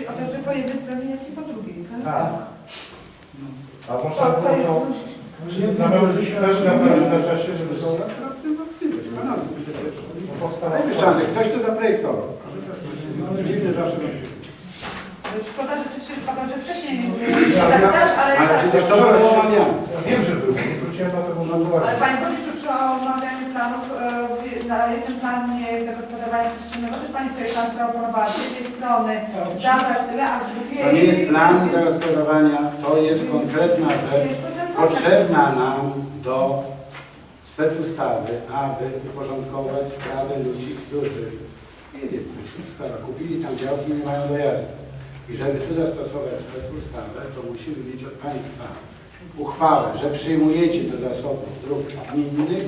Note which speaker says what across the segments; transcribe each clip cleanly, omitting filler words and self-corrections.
Speaker 1: o to, że po jednej stronie, jak i po drugiej, tak?
Speaker 2: Tak. A można było to też na czasie, żeby są
Speaker 3: szansę. Ktoś to zaprojektował. Dziwne zawsze.
Speaker 1: Szkoda rzeczywiście, że wcześniej też, ale
Speaker 3: przecież to było omawiane.
Speaker 2: Wiem, że był. Nie zwróciłem na to może uwagi.
Speaker 1: ale Panie Burmistrzu, przy omawianiu planów na jednym planie zagospodarowania przestrzennego też Pani projektant proponowała z jednej strony zabrać tyle, a z drugiej...
Speaker 3: To nie jest plan zagospodarowania, to jest konkretna rzecz potrzebna nam do specustawy, aby uporządkować sprawy ludzi, którzy nie wiem, sprawa, kupili tam działki i nie mają dojazdu. I żeby tu zastosować specustawę, to musimy mieć od Państwa uchwałę, że przyjmujecie do zasobów dróg gminnych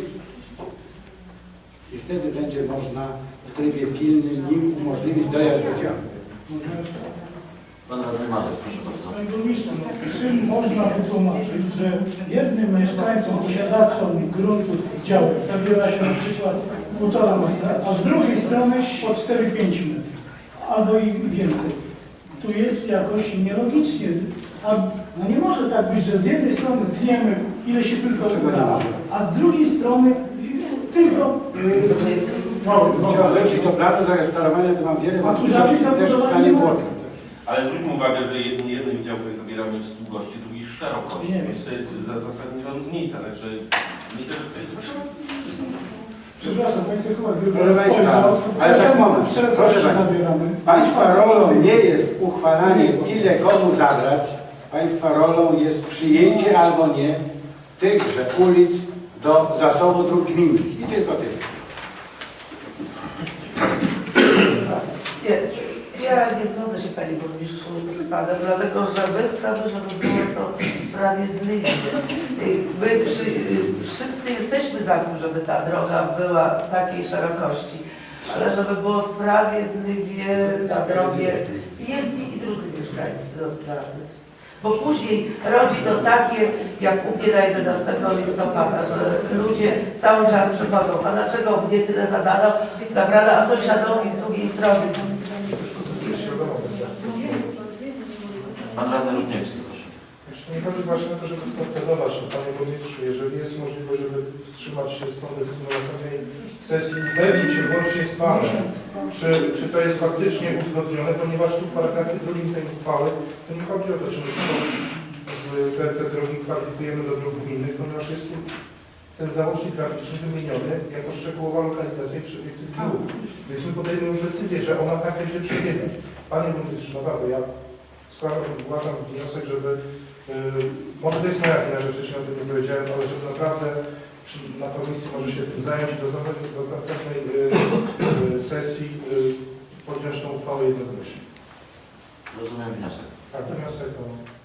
Speaker 3: i wtedy będzie można w trybie pilnym im umożliwić dojazd do działki.
Speaker 4: Pan radny Marek, proszę bardzo.
Speaker 5: Panie burmistrzu, czym można wytłumaczyć, że jednym mieszkańcom, posiadaczom gruntów działek zabiera się na przykład 1,5 metra, a z drugiej strony po 4-5 metrów, albo i więcej. Tu jest jakoś nielogicznie. A no nie może tak być, że z jednej strony tniemy ile się tylko da, a z drugiej strony tylko...
Speaker 3: Chciał wrócić do planu zagospodarowania, to mam wiele
Speaker 5: a tu żadnej
Speaker 3: też
Speaker 5: zabudowania
Speaker 3: nie
Speaker 5: nie
Speaker 3: było.
Speaker 6: Ale zwróćmy uwagę, że jednym działkiem zabieramy długości, drugi szerokości.
Speaker 5: Nie
Speaker 6: Więc to jest zasadnicza różnica. Także myślę, że ktoś to trzeba.
Speaker 5: Przepraszam, Państwo chyba
Speaker 3: Proszę Państwa, ale tak moment. Proszę Państwa, Państwa rolą nie jest uchwalanie, ile komu zabrać. Państwa rolą jest przyjęcie albo nie tychże ulic do zasobu dróg gminnych. I tylko tyle.
Speaker 7: Ja nie zgodzę się Panie Burmistrzu z Panem, dlatego że my chcemy, żeby było to sprawiedliwie. My wszyscy jesteśmy za tym, żeby ta droga była takiej szerokości, ale żeby było sprawiedliwie na drogę jedni i drudzy mieszkańcy odprawy. Bo później rodzi to takie, jak u mnie na 11 listopada, że ludzie cały czas przychodzą, a dlaczego mnie tyle zabrano, a sąsiadowi z drugiej strony.
Speaker 4: Pan radny Rudniewski, proszę.
Speaker 2: Nie chodzi właśnie o to, żeby skontrolować, Panie Burmistrzu, jeżeli jest możliwość, żeby wstrzymać się z tą decyzją na następnej sesji i upewnić się łącznie z Panem, czy to jest faktycznie uzgodnione, ponieważ tu w paragrafie drugim tej uchwały to nie chodzi o to, czy my te drogi kwalifikujemy do dróg gminnych, ponieważ jest tu ten załącznik graficzny wymieniony jako szczegółowa lokalizacja i przebieg tych dróg. Więc my podejmujemy już decyzję, że ona tak będzie przebiegać. Panie Burmistrzu, naprawdę, ja zgłaszam wniosek, żeby, może to jest moja wina, że wcześniej o tym nie powiedziałem, ale żeby naprawdę na komisji może się tym zająć i do następnej sesji podjąć tą uchwałę jednogłośnie.
Speaker 4: Rozumiem wniosek.
Speaker 2: Tak, wniosek o...